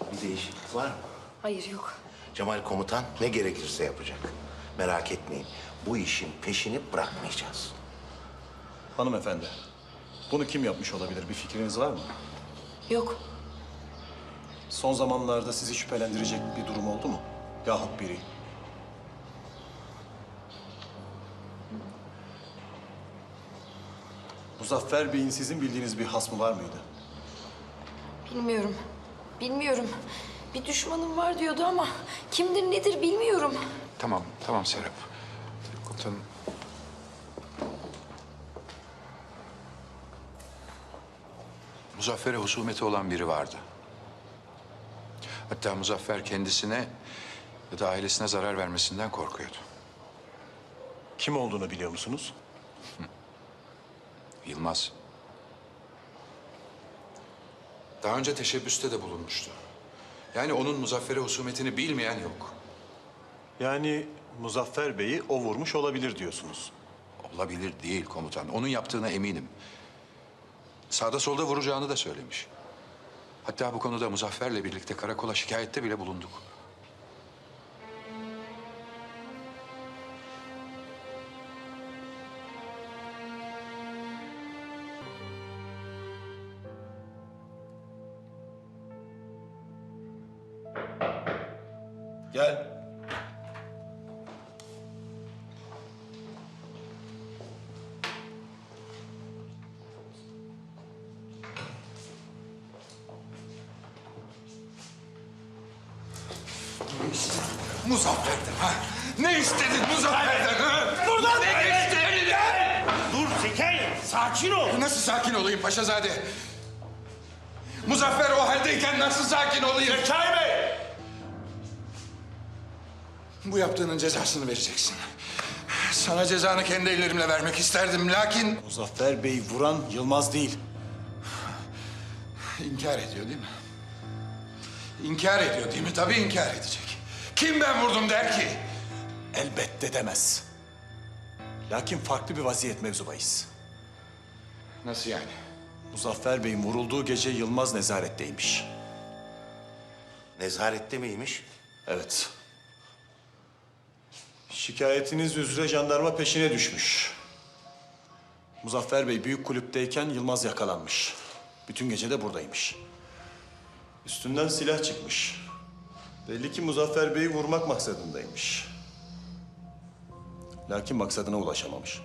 Bir değişiklik var mı? Hayır, yok. Cemal komutan ne gerekirse yapacak. Merak etmeyin. Bu işin peşini bırakmayacağız. Hanımefendi, bunu kim yapmış olabilir? Bir fikriniz var mı? Yok. Son zamanlarda sizi şüphelendirecek bir durum oldu mu? Yahut biri. Muzaffer Bey'in sizin bildiğiniz bir hasmı var mıydı? Bilmiyorum. Bilmiyorum. Bir düşmanım var diyordu ama kimdir nedir bilmiyorum. Tamam, tamam Serap. Komutanım. Muzaffer'e husumeti olan biri vardı. Hatta Muzaffer kendisine ya da ailesine zarar vermesinden korkuyordu. Kim olduğunu biliyor musunuz? Yılmaz. Daha önce teşebbüste de bulunmuştu. Yani onun Muzaffer'e husumetini bilmeyen yok. Yani Muzaffer Bey'i o vurmuş olabilir diyorsunuz. Olabilir değil komutan. Onun yaptığına eminim. Sağda solda vuracağını da söylemiş. Hatta bu konuda Muzaffer'le birlikte karakola şikayette bile bulunduk. Gel. Muzaffer'den ha? Ne istedin Muzaffer'den ha? Buradan ne istedin? Dur Zekai, sakin ol. Nasıl sakin olayım Paşazade? Muzaffer o haldeyken nasıl sakin olayım? Zekai Bey! Bu yaptığının cezasını vereceksin. Sana cezanı kendi ellerimle vermek isterdim lakin... Muzaffer Bey vuran Yılmaz değil. İnkar ediyor değil mi? İnkar ediyor değil mi? Tabii inkar edecek. Kim ben vurdum der ki? Elbette demez. Lakin farklı bir vaziyet mevzu bahis. Nasıl yani? Muzaffer Bey'in vurulduğu gece Yılmaz nezaretteymiş. Nezarette miymiş? Evet. Şikayetiniz üzere jandarma peşine düşmüş. Muzaffer Bey büyük kulüpteyken Yılmaz yakalanmış. Bütün gece de buradaymış. Üstünden silah çıkmış. Belli ki Muzaffer Bey'i vurmak maksadındaymış. Lakin maksadına ulaşamamış.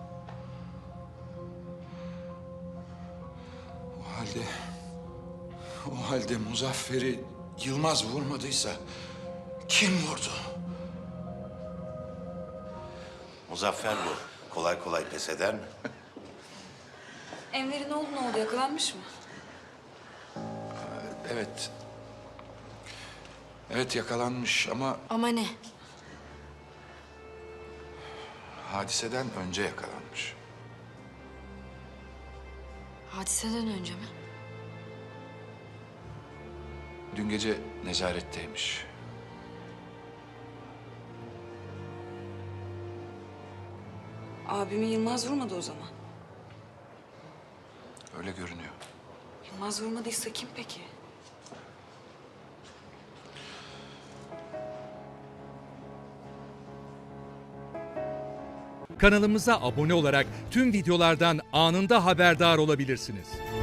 O halde Muzaffer'i Yılmaz vurmadıysa kim vurdu? Muzaffer bu. Kolay kolay pes eder mi? Enver'in oğlu ne oldu? Yakalanmış mı? Evet. Evet yakalanmış ama Ama ne? hadiseden önce yakalanmış. Hadiseden önce mi? Dün gece nezaretteymiş. Abimi Yılmaz vurmadı o zaman. Öyle görünüyor. Yılmaz vurmadıysa kim peki? Kanalımıza abone olarak tüm videolardan anında haberdar olabilirsiniz.